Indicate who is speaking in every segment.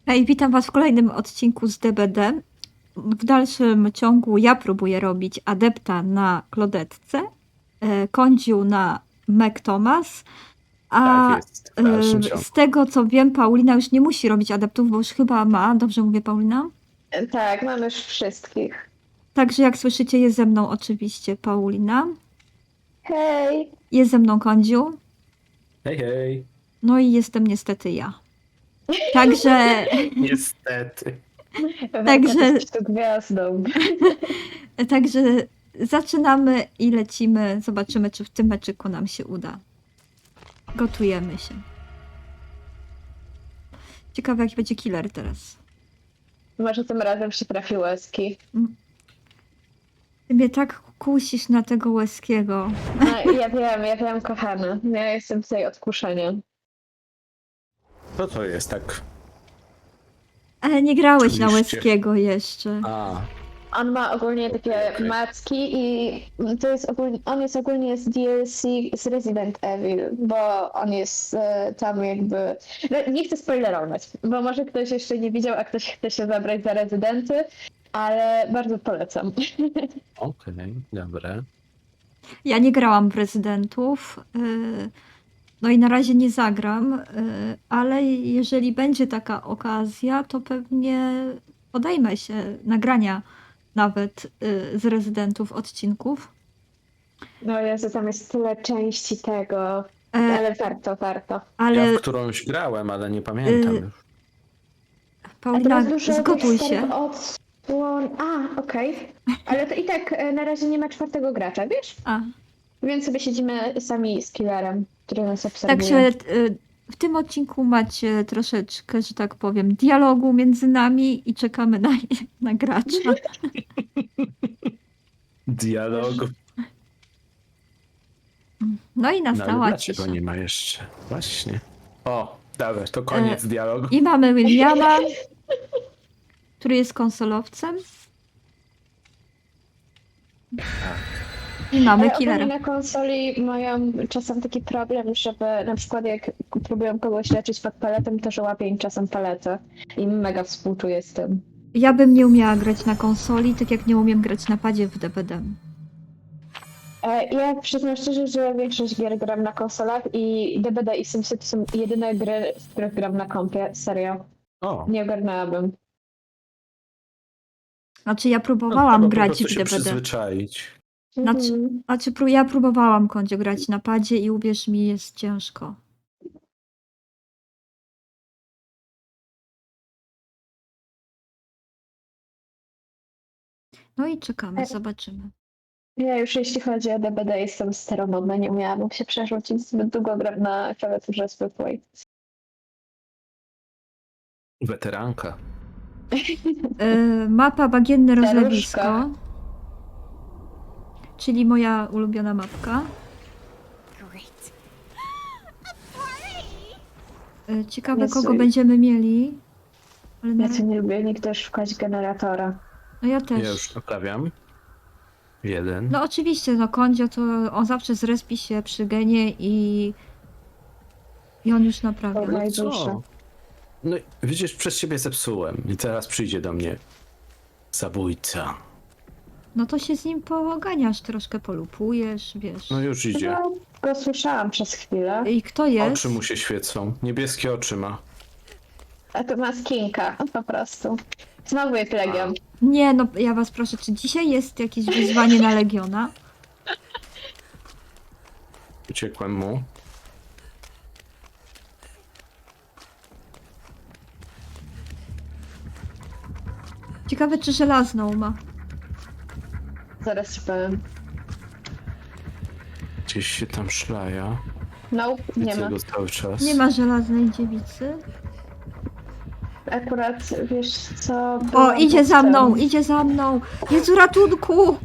Speaker 1: Hej, witam was w kolejnym odcinku z DBD. W dalszym ciągu ja próbuję robić adepta na Klodetce, Kondziu na Meg Thomas, a
Speaker 2: Tak jest, w dalszym ciągu.
Speaker 1: z tego co wiem, Paulina już nie musi robić adeptów, bo już chyba ma. Dobrze mówię, Paulina?
Speaker 3: Tak, mam już wszystkich.
Speaker 1: Także jak słyszycie, jest ze mną oczywiście Paulina,
Speaker 3: Hej!
Speaker 1: jest ze mną Kondziu,
Speaker 2: Hej, hej.
Speaker 1: no i jestem niestety ja. Także,
Speaker 2: Niestety.
Speaker 1: Także-
Speaker 3: Jesteś tu gwiazdą.
Speaker 1: także zaczynamy i lecimy. Zobaczymy, czy w tym meczyku nam się uda. Gotujemy się. Ciekawe, jaki będzie killer teraz.
Speaker 3: Może tym razem się trafi łezki.
Speaker 1: Ty mnie tak kusisz na tego Łeskiego.
Speaker 3: No, ja wiem, kochana. Ja jestem tutaj od kuszenia.
Speaker 2: Co to jest tak?
Speaker 1: Ale nie grałeś na
Speaker 2: Oczywiście.
Speaker 1: Łeskiego jeszcze.
Speaker 2: A,
Speaker 3: On ma ogólnie takie
Speaker 2: Okej.
Speaker 3: macki i to jest ogólnie, on jest ogólnie z DLC z Resident Evil, bo on jest tam jakby... No, nie chcę spoilerować, bo może ktoś jeszcze nie widział, a ktoś chce się zabrać za rezydenty, ale bardzo polecam.
Speaker 2: okej, dobra.
Speaker 1: Ja nie grałam w rezydentów. No i na razie nie zagram, ale jeżeli będzie taka okazja, to pewnie podejmę się nagrania nawet z rezydentów odcinków.
Speaker 3: No Jezu, tam jest tyle części tego, ale warto.
Speaker 1: Ale
Speaker 2: Ja w którąś grałem, ale nie pamiętam już.
Speaker 1: Paulina,
Speaker 3: dużo
Speaker 1: zgotuj
Speaker 3: tych
Speaker 1: się.
Speaker 3: starych odsłon. A, okej. Ale to i tak na razie nie ma czwartego gracza, wiesz?
Speaker 1: A,
Speaker 3: Więc sobie siedzimy sami z killerem, który nas obserwuje.
Speaker 1: także w tym odcinku macie troszeczkę, że tak powiem, dialogu między nami i czekamy na gracza.
Speaker 2: Dialog.
Speaker 1: No i
Speaker 2: No, ale
Speaker 1: nastała
Speaker 2: dlaczego
Speaker 1: cisza.
Speaker 2: nie ma jeszcze? Właśnie. O, dobra, to koniec dialogu.
Speaker 1: I mamy Williama, który jest konsolowcem. I mamy
Speaker 3: Ale ogólnie
Speaker 1: killera.
Speaker 3: na konsoli mają czasem taki problem, żeby na przykład jak próbują kogoś leczyć pod paletem, to że łapie im czasem paletę. I mega współczuję z tym.
Speaker 1: Ja bym nie umiała grać na konsoli, tak jak nie umiem grać na padzie w DBD.
Speaker 3: Ja przyznam szczerze, że większość gier gram na konsolach i DBD i SimCity są jedyne gry, w których gram na kompie. Serio.
Speaker 2: O,
Speaker 3: Nie ogarnęłabym.
Speaker 1: Znaczy ja
Speaker 2: no,
Speaker 1: próbowałam
Speaker 2: trzeba po
Speaker 1: grać
Speaker 2: prostu
Speaker 1: w
Speaker 2: się
Speaker 1: DBD.
Speaker 2: przyzwyczaić.
Speaker 3: Mhm.
Speaker 1: Ja próbowałam Kondzio grać na padzie i uwierz mi, jest ciężko. No i czekamy, zobaczymy.
Speaker 3: Ja już jeśli chodzi o DBD jestem staromodna, nie umiałabym się przerzucić. Zbyt długo gram na klawiaturze zwykłej.
Speaker 2: Weteranka.
Speaker 1: Mapa Bagienne
Speaker 3: Staruszka.
Speaker 1: Rozlewisko. Czyli moja ulubiona mapka. Ciekawe,
Speaker 3: Jezu.
Speaker 1: kogo będziemy mieli. Ale na...
Speaker 3: Ja co nie lubię nigdy szukać generatora.
Speaker 1: No ja też.
Speaker 2: Ja już naprawiam. Jeden.
Speaker 1: No oczywiście, no Kondzio to on zawsze zrespi się przy genie i on już naprawia.
Speaker 3: Dobra. najdłuższe.
Speaker 2: Co? No widzisz, przez ciebie zepsułem i teraz przyjdzie do mnie zabójca.
Speaker 1: No to się z nim poganiasz, troszkę polupujesz, wiesz.
Speaker 2: No już idzie.
Speaker 3: No, go słyszałam przez chwilę.
Speaker 1: I kto jest?
Speaker 2: Oczy mu się świecą. Niebieskie oczy ma.
Speaker 3: A to ma skinka, po prostu. Znowu jest Legion.
Speaker 1: Nie, no ja was proszę, czy dzisiaj jest jakieś wyzwanie na Legiona?
Speaker 2: Uciekłem mu.
Speaker 1: Ciekawe, czy żelazną ma.
Speaker 3: Zaraz ci powiem.
Speaker 2: Gdzieś się tam szlaja.
Speaker 3: Nope, nie
Speaker 2: Widzę
Speaker 3: ma.
Speaker 2: go cały czas.
Speaker 1: Nie ma żelaznej dziewicy.
Speaker 3: Akurat, wiesz co...
Speaker 1: O,
Speaker 3: byłam
Speaker 1: idzie
Speaker 3: pod
Speaker 1: za
Speaker 3: tym.
Speaker 1: mną, idzie za mną! Jezu, ratunku!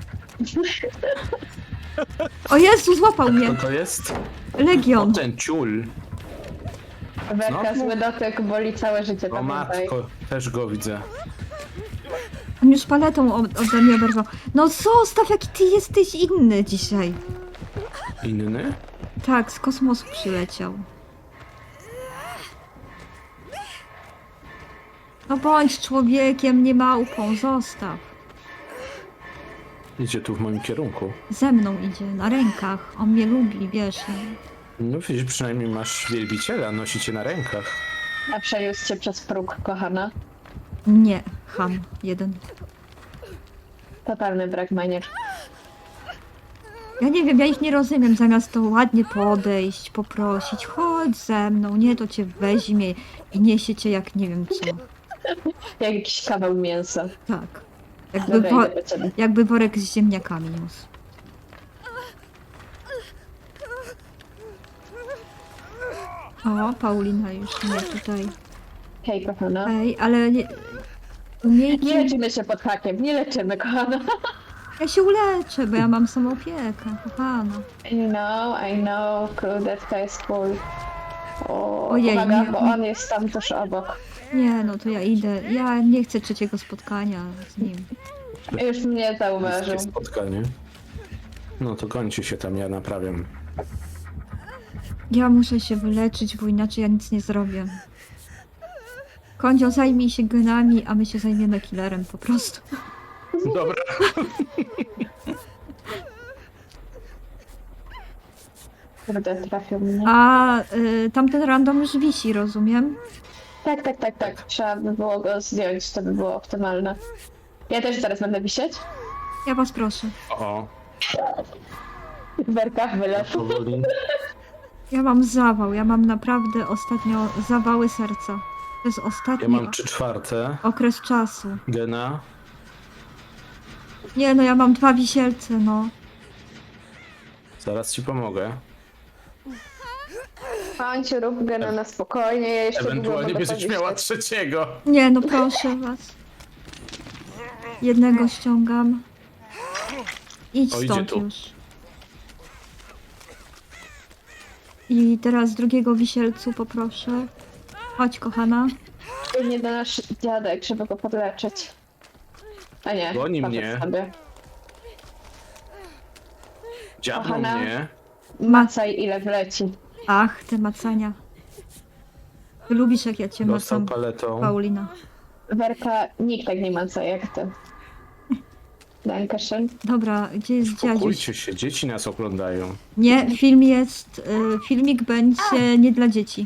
Speaker 1: O Jezu, złapał mnie!
Speaker 2: Co to jest?
Speaker 1: Legion!
Speaker 2: Ten ciul.
Speaker 3: Werka,
Speaker 2: Znowu?
Speaker 3: zły dotyk, boli całe życie,
Speaker 2: O
Speaker 3: pamiętaj.
Speaker 2: matko, też go widzę.
Speaker 1: On już paletą ode mnie oberwał. No zostaw, jaki ty jesteś inny dzisiaj.
Speaker 2: Inny?
Speaker 1: Tak, z kosmosu przyleciał. No bądź człowiekiem, nie małpą, zostaw.
Speaker 2: Idzie tu w moim kierunku.
Speaker 1: Ze mną idzie, na rękach. On mnie lubi, wiesz.
Speaker 2: No widzisz, przynajmniej masz wielbiciela, nosi cię na rękach.
Speaker 3: A przeniósł cię przez próg, kochana.
Speaker 1: Nie, ham, jeden.
Speaker 3: Totalny brak manier.
Speaker 1: Ja nie wiem, ja ich nie rozumiem. Zamiast to ładnie podejść, poprosić, chodź ze mną, nie, to cię weźmie i niesie cię jak nie wiem co.
Speaker 3: Jak jakiś kawał mięsa.
Speaker 1: Tak. Jakby,
Speaker 3: Dobra, idę do ciebie.
Speaker 1: jakby worek z ziemniakami niósł. O, Paulina już mnie tutaj.
Speaker 3: Hej, kochana.
Speaker 1: Ej, ale nie... Umiejki...
Speaker 3: Nie leczymy się pod hakiem, nie leczymy, kochana.
Speaker 1: Ja się uleczę, bo ja mam samoopiekę, kochana.
Speaker 3: I know, krudetka jest cool. O,
Speaker 1: Ojej,
Speaker 3: uwaga,
Speaker 1: nie.
Speaker 3: bo on jest tam tuż obok.
Speaker 1: Nie, no to ja idę. Ja nie chcę trzeciego spotkania z nim.
Speaker 3: Już mnie zauważył.
Speaker 2: Wszystkie spotkanie. No to kończy się tam, ja naprawiam.
Speaker 1: Ja muszę się wyleczyć, bo inaczej ja nic nie zrobię. Kondzio, zajmij się genami, a my się zajmiemy killerem po prostu.
Speaker 2: Dobra.
Speaker 3: Kurde, trafił mnie.
Speaker 1: A tamten random już wisi, rozumiem?
Speaker 3: Tak. Trzeba by było go zdjąć, to by było optymalne. Ja też zaraz będę wisieć.
Speaker 1: Ja was proszę.
Speaker 2: O,
Speaker 3: Werka, wylew.
Speaker 2: powoli.
Speaker 1: Ja mam zawał, ja mam naprawdę ostatnio zawały serca. To jest ostatni
Speaker 2: Ja mam 3/4
Speaker 1: okres czasu.
Speaker 2: gena.
Speaker 1: Nie no, ja mam 2 wisielce, no.
Speaker 2: Zaraz ci pomogę.
Speaker 3: Panciu, rób gena na spokojnie, ja jeszcze długo
Speaker 2: Ewentualnie
Speaker 3: mogę
Speaker 2: będziesz miała
Speaker 3: powisieć.
Speaker 2: 3.
Speaker 1: Nie no, proszę was. Jednego ściągam. Idź
Speaker 2: O, idzie
Speaker 1: stąd
Speaker 2: tu.
Speaker 1: już. I teraz drugiego wisielcu poproszę. Chodź, kochana.
Speaker 3: Nie do nasz dziadek, żeby go podleczyć. A nie,
Speaker 2: Goni
Speaker 3: poszedł
Speaker 2: mnie.
Speaker 3: sobie.
Speaker 2: Dziabną
Speaker 3: Kochana.
Speaker 2: mnie.
Speaker 3: Macaj ile wleci.
Speaker 1: Ach, te macania. Ty lubisz, jak ja cię
Speaker 2: Dostał
Speaker 1: macam,
Speaker 2: paletą.
Speaker 1: Paulina.
Speaker 3: Werka, nikt tak nie maca jak ty. Dankeschön.
Speaker 1: Dobra, gdzie jest dziadziuś?
Speaker 2: Spokójcie się, dzieci nas oglądają.
Speaker 1: Nie, film jest... filmik będzie nie dla dzieci.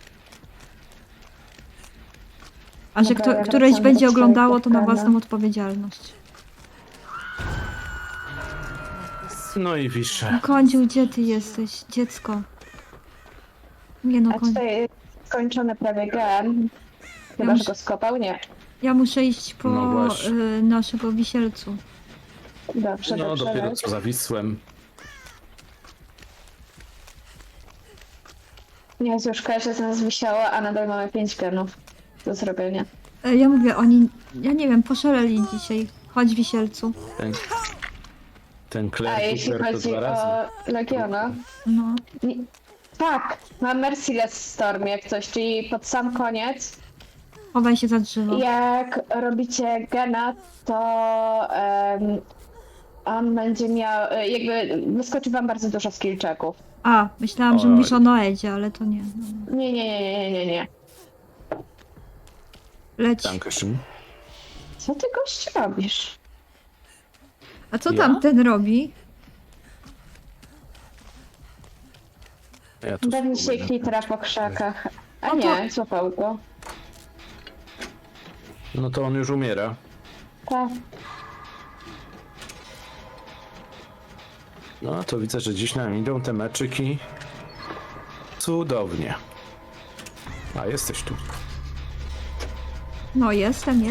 Speaker 1: A że
Speaker 3: Dobra, ja
Speaker 1: któreś
Speaker 3: wracam
Speaker 1: będzie
Speaker 3: do
Speaker 1: oglądało, to na
Speaker 3: swojego
Speaker 1: własną odpowiedzialność.
Speaker 2: No i wiszę.
Speaker 1: No, Kądziu, gdzie ty jesteś? Dziecko. Nie no,
Speaker 3: A tutaj jest skończony prawie gen. Chyba,
Speaker 1: Ja
Speaker 3: że go skopał? Nie.
Speaker 1: ja muszę iść po
Speaker 2: No właśnie.
Speaker 1: naszego wisielcu.
Speaker 3: Dobrze,
Speaker 2: No
Speaker 3: dobrze.
Speaker 2: dopiero co zawisłem.
Speaker 3: Jezu, już każdy z nas wisiała, a nadal mamy 5 genów do zrobienia.
Speaker 1: Ja mówię, oni, ja nie wiem, poszaleli dzisiaj. Chodź, wisielcu.
Speaker 2: Ten
Speaker 3: A
Speaker 2: Claire
Speaker 3: jeśli
Speaker 2: Cooper to
Speaker 3: chodzi
Speaker 2: 2 razy.
Speaker 3: o Legiona,
Speaker 1: No.
Speaker 3: tak, mam Merciless Storm jak coś, czyli pod sam koniec,
Speaker 1: Chowaj się za drzewo.
Speaker 3: jak robicie gena, to on będzie miał, jakby wyskoczy wam bardzo dużo skill checków.
Speaker 1: A, myślałam, że
Speaker 2: Oj.
Speaker 1: mówisz o Noedzie, ale to nie. No.
Speaker 3: Nie.
Speaker 1: Leć.
Speaker 2: Dankeschön.
Speaker 3: Co ty gość robisz?
Speaker 1: A co
Speaker 2: Ja?
Speaker 1: tam ten robi?
Speaker 2: Ja tu
Speaker 3: Pewnie się
Speaker 2: spróbuję.
Speaker 3: klitra po krzakach. A
Speaker 1: O, to-
Speaker 3: nie, złapał go.
Speaker 2: No to on już umiera.
Speaker 3: Tak.
Speaker 2: No to widzę, że dziś nam idą te meczyki. Cudownie. A jesteś tu.
Speaker 1: No, jestem.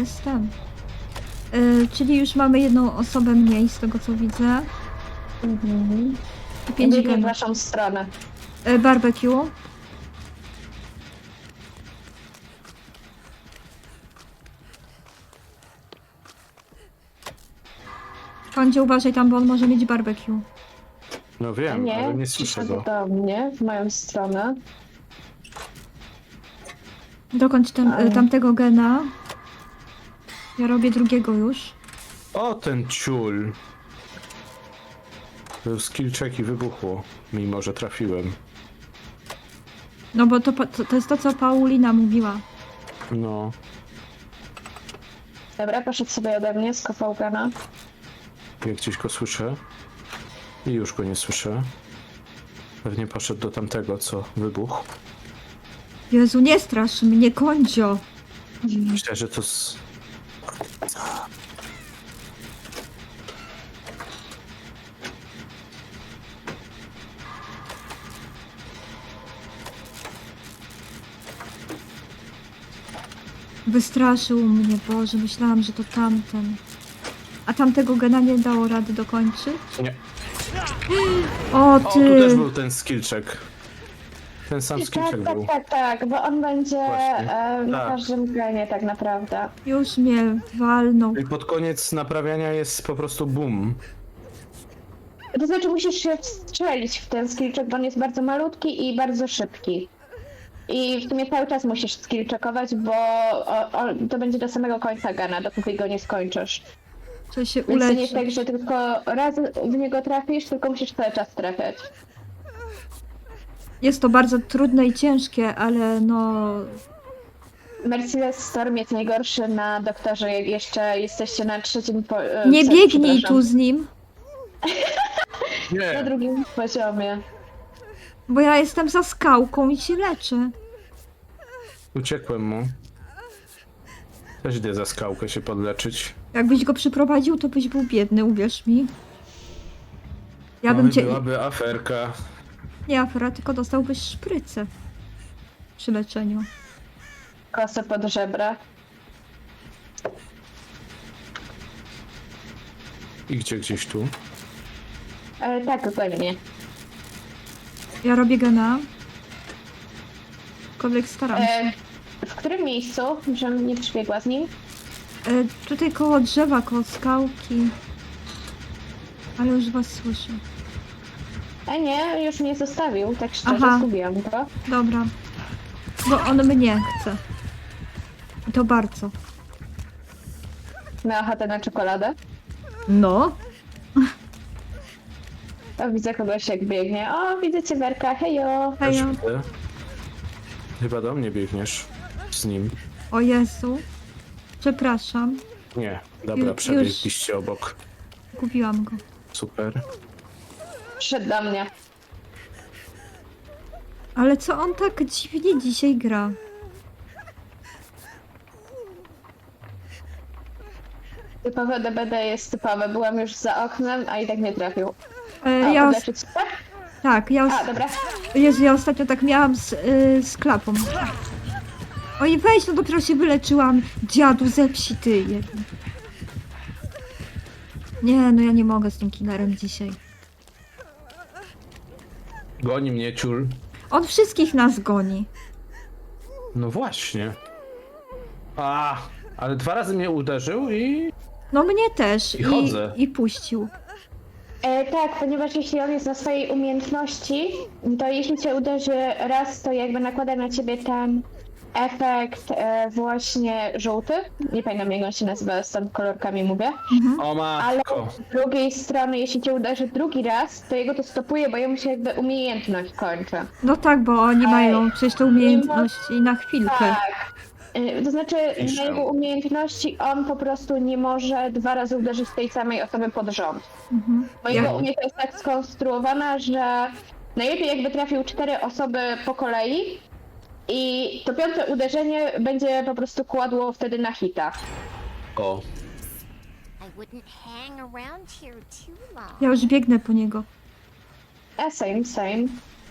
Speaker 1: Czyli już mamy jedną osobę mniej, z tego co widzę.
Speaker 3: Mhm.
Speaker 1: I 5
Speaker 3: Biegnie w
Speaker 1: genów.
Speaker 3: waszą stronę.
Speaker 1: Barbecue. Kądzie, uważaj tam, bo on może mieć barbecue.
Speaker 2: No
Speaker 3: A
Speaker 2: wiem, ale
Speaker 3: nie,
Speaker 2: nie słyszę
Speaker 3: przyszedł
Speaker 2: go.
Speaker 3: do mnie, w moją stronę.
Speaker 1: Dokończ
Speaker 3: Ale-
Speaker 1: tamtego gena. Ja robię drugiego już.
Speaker 2: O, ten ciul. Był skill check i wybuchło. Mimo, że trafiłem.
Speaker 1: No bo to jest to, co Paulina mówiła.
Speaker 2: No.
Speaker 3: Dobra, poszedł sobie ode mnie, skopał gana.
Speaker 2: Jak gdzieś go słyszę. I już go nie słyszę. Pewnie poszedł do tamtego, co wybuchł.
Speaker 1: Jezu, nie strasz mnie, Kondzio.
Speaker 2: Myślę, że to z...
Speaker 1: Wystraszył mnie, Boże, myślałam, że to tamten. A tamtego gena nie dało rady dokończyć?
Speaker 2: Nie.
Speaker 1: O,
Speaker 2: O, tu też
Speaker 1: ty!
Speaker 2: był ten skillczek. Ten sam skillczek był.
Speaker 3: Tak, bo on będzie
Speaker 2: Właśnie.
Speaker 3: na
Speaker 2: Tak.
Speaker 3: każdym genie tak naprawdę.
Speaker 1: Już mnie walnął.
Speaker 2: I pod koniec naprawiania jest po prostu boom.
Speaker 3: To znaczy musisz się wstrzelić w ten skillczek, bo on jest bardzo malutki i bardzo szybki. I w sumie cały czas musisz skillczekować, bo to będzie do samego końca gana, dopóki go nie skończysz.
Speaker 1: Trzeba się
Speaker 3: Więc to nie jest
Speaker 1: uleczyć.
Speaker 3: tak, że tylko raz w niego trafisz, tylko musisz cały czas trafiać.
Speaker 1: Jest to bardzo trudne i ciężkie, ale no...
Speaker 3: Merciless Storm jest najgorszy na doktorze, jak jeszcze jesteście na trzecim
Speaker 1: Nie biegnij
Speaker 3: przepraszam,
Speaker 1: tu z nim,
Speaker 3: na
Speaker 2: Nie.
Speaker 3: drugim poziomie.
Speaker 1: bo ja jestem za skałką i się leczę.
Speaker 2: Uciekłem mu. Też idę za skałkę się podleczyć.
Speaker 1: Jakbyś go przyprowadził, to byś był biedny, uwierz mi. Ja bym
Speaker 2: Oj,
Speaker 1: cię...
Speaker 2: byłaby aferka.
Speaker 1: Nie afera, tylko dostałbyś szprycę przy leczeniu.
Speaker 3: Kosę pod żebra.
Speaker 2: I gdzieś tu.
Speaker 3: Tak, pewnie.
Speaker 1: Ja robię gena. Aczkolwiek staram się.
Speaker 3: W którym miejscu, żebym nie przybiegła z nim?
Speaker 1: Tutaj koło drzewa, koło skałki. Ale już was słyszę.
Speaker 3: Nie, już mnie zostawił, tak szczerze,
Speaker 1: Aha.
Speaker 3: zgubiłam go.
Speaker 1: Dobra. Bo on mnie chce. I to bardzo.
Speaker 3: Miała ochotę na czekoladę.
Speaker 1: No.
Speaker 3: O, widzę kogoś jak biegnie. O, widzę cię, Werka, hejo.
Speaker 2: Też
Speaker 1: Hejo.
Speaker 2: widzę. Chyba do mnie biegniesz z nim.
Speaker 1: O Jezu. Przepraszam.
Speaker 2: Nie, dobra,
Speaker 1: Już.
Speaker 2: przebiegliście obok.
Speaker 1: Gubiłam go.
Speaker 2: Super.
Speaker 3: Przyszedł do mnie.
Speaker 1: Ale co on tak dziwnie dzisiaj gra?
Speaker 3: Typowe DBD jest typowe. Byłam już za oknem, a i tak nie trafił.
Speaker 1: Ja
Speaker 3: Podleczyć się?
Speaker 1: tak,
Speaker 3: Dobra.
Speaker 1: Jezu, ja ostatnio tak miałam z klapą. Oj, weź, no dopiero się wyleczyłam. Dziadu, zepsi ty jeden. Nie, no ja nie mogę z tym killerem dzisiaj.
Speaker 2: Goni mnie ciul.
Speaker 1: On wszystkich nas goni.
Speaker 2: No właśnie. Ale 2 razy mnie uderzył i...
Speaker 1: No mnie też.
Speaker 2: I chodzę.
Speaker 1: I puścił.
Speaker 3: Tak, ponieważ jeśli on jest na swojej umiejętności, to jeśli cię uderzy raz, to jakby nakłada na ciebie ten efekt właśnie żółty. Nie pamiętam jak on się nazywa, z tam kolorkami mówię.
Speaker 2: O
Speaker 3: Ale
Speaker 2: matko.
Speaker 3: z drugiej strony, jeśli cię uderzy drugi raz, to jego to stopuje, bo jemu się jakby umiejętność kończy.
Speaker 1: No tak, bo oni mają przecież te umiejętności na chwilkę.
Speaker 3: Tak. To znaczy,
Speaker 2: Piszę.
Speaker 3: na jego umiejętności on po prostu nie może 2 razy uderzyć tej samej osoby pod rząd.
Speaker 1: Mhm.
Speaker 3: Bo
Speaker 1: Ja-
Speaker 3: jego umiejętność jest tak skonstruowana, że najlepiej jakby trafił 4 osoby po kolei i to 5. uderzenie będzie po prostu kładło wtedy na hita.
Speaker 2: O.
Speaker 4: I wouldn't hang around here too long.
Speaker 1: Ja już biegnę po niego.
Speaker 3: Same.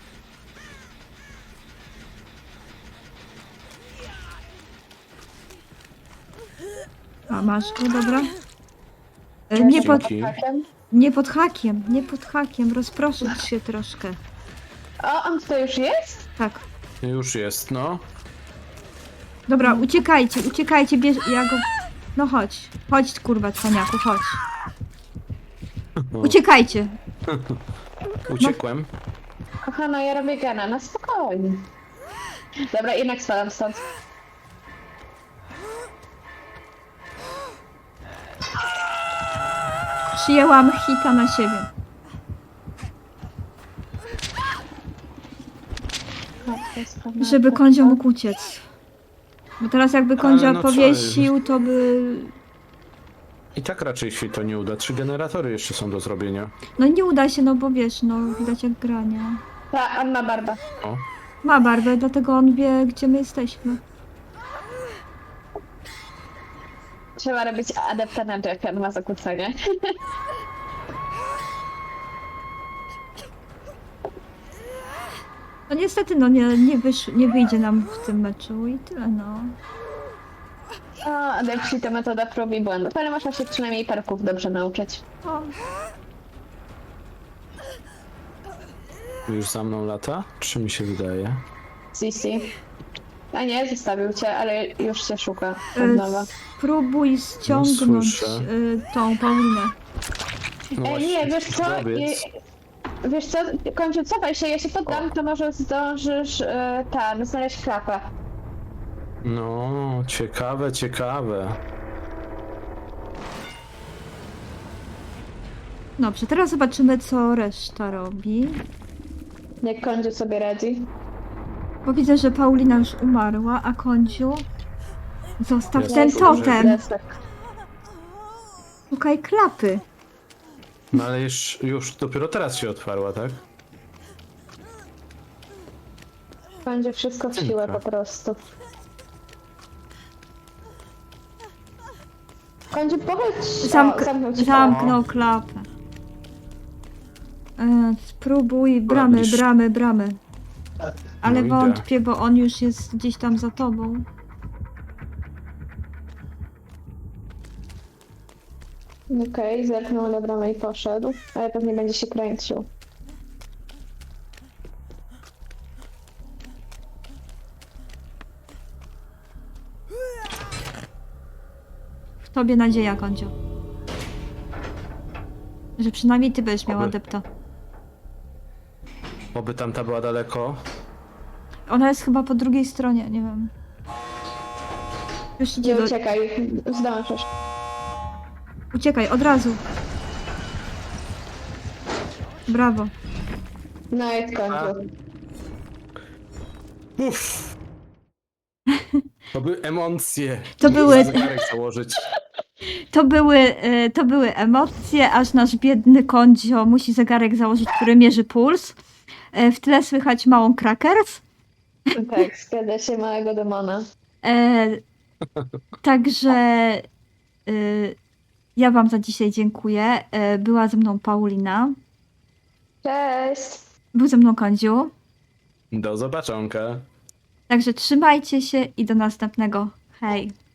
Speaker 1: A masz go, dobra. Nie pod,
Speaker 2: Dzięki.
Speaker 3: Hakiem.
Speaker 1: nie pod hakiem, nie pod hakiem. Rozproszyć się troszkę.
Speaker 3: O, on tutaj już jest?
Speaker 1: Tak.
Speaker 2: Już jest, no.
Speaker 1: Dobra, uciekajcie, bierz, ja go... No chodź, chodź kurwa cwaniaku, chodź. Uciekajcie.
Speaker 2: Uciekłem.
Speaker 3: Kochana, ja robię gena, na spokojnie. Dobra, jednak spadam stąd.
Speaker 1: Przyjęłam hita na siebie. Żeby Kondzio mógł uciec. Bo teraz jakby Kondzio
Speaker 2: Ale no co,
Speaker 1: powiesił, to by
Speaker 2: I tak raczej się to nie uda. 3 generatory jeszcze są do zrobienia.
Speaker 1: No nie uda się, no bo wiesz, no widać jak grania.
Speaker 3: Ta Anna Barba.
Speaker 2: O,
Speaker 1: Ma barbę, dlatego on wie, gdzie my jesteśmy.
Speaker 3: Trzeba robić adepta na Jacka, on ma zakłócenie.
Speaker 1: No niestety, no nie wyjdzie nam w tym meczu i tyle, no.
Speaker 3: O, adepci to metoda prób i błędów, ale można się przynajmniej parków dobrze nauczyć.
Speaker 1: O,
Speaker 2: już za mną lata? Czy mi się wydaje?
Speaker 3: Sisi. A nie, zostawił cię, ale już się szuka od
Speaker 1: e,
Speaker 3: nowa.
Speaker 1: spróbuj ściągnąć
Speaker 2: słyszę.
Speaker 1: tą Paulinę.
Speaker 2: No
Speaker 3: Ej,
Speaker 2: właśnie,
Speaker 3: nie, wiesz co?
Speaker 2: powiedz.
Speaker 3: Wiesz co? Kończę, cofaj się, ja się poddam, to może zdążysz znaleźć klapę.
Speaker 2: No, ciekawe, ciekawe.
Speaker 1: Dobrze, teraz zobaczymy, co reszta robi.
Speaker 3: Jak Kondziu sobie radzi.
Speaker 1: Bo widzę, że Paulina już umarła, a Kądziu... Zostaw
Speaker 2: Jest
Speaker 1: ten
Speaker 2: dobrze.
Speaker 1: totem!
Speaker 3: Desek.
Speaker 1: Szukaj klapy.
Speaker 2: No ale już dopiero teraz się otwarła, tak?
Speaker 3: Będzie wszystko w siłę
Speaker 2: Dobra.
Speaker 3: po prostu. Kondziu, powiedz... zamknął ci
Speaker 1: Zamknął klapę. Spróbuj
Speaker 2: widzisz.
Speaker 1: bramy. Ale
Speaker 2: No idę.
Speaker 1: wątpię, bo on już jest gdzieś tam za tobą.
Speaker 3: Okej, zerknął na bramę i poszedł, ale pewnie będzie się kręcił.
Speaker 1: W tobie nadzieja, Kądziu. Że przynajmniej ty będziesz miał
Speaker 2: Oby.
Speaker 1: adepta.
Speaker 2: Oby tamta była daleko.
Speaker 1: Ona jest chyba po drugiej stronie, nie wiem. Już idzie
Speaker 3: Nie
Speaker 1: do...
Speaker 3: uciekaj, zdążysz.
Speaker 1: Uciekaj, od razu. Brawo.
Speaker 3: No jest Kondziu.
Speaker 2: Uff! To były emocje.
Speaker 1: To były-
Speaker 2: Zegarek założyć.
Speaker 1: To były emocje, aż nasz biedny Kądzio musi zegarek założyć, który mierzy puls. W tle słychać małą Krakers.
Speaker 3: Tak, zgadza się, małego demona.
Speaker 1: E, także ja wam za dzisiaj dziękuję. Była ze mną Paulina.
Speaker 3: Cześć!
Speaker 1: Był ze mną Kądziu.
Speaker 2: Do zobaczonka.
Speaker 1: Także trzymajcie się i do następnego. Hej!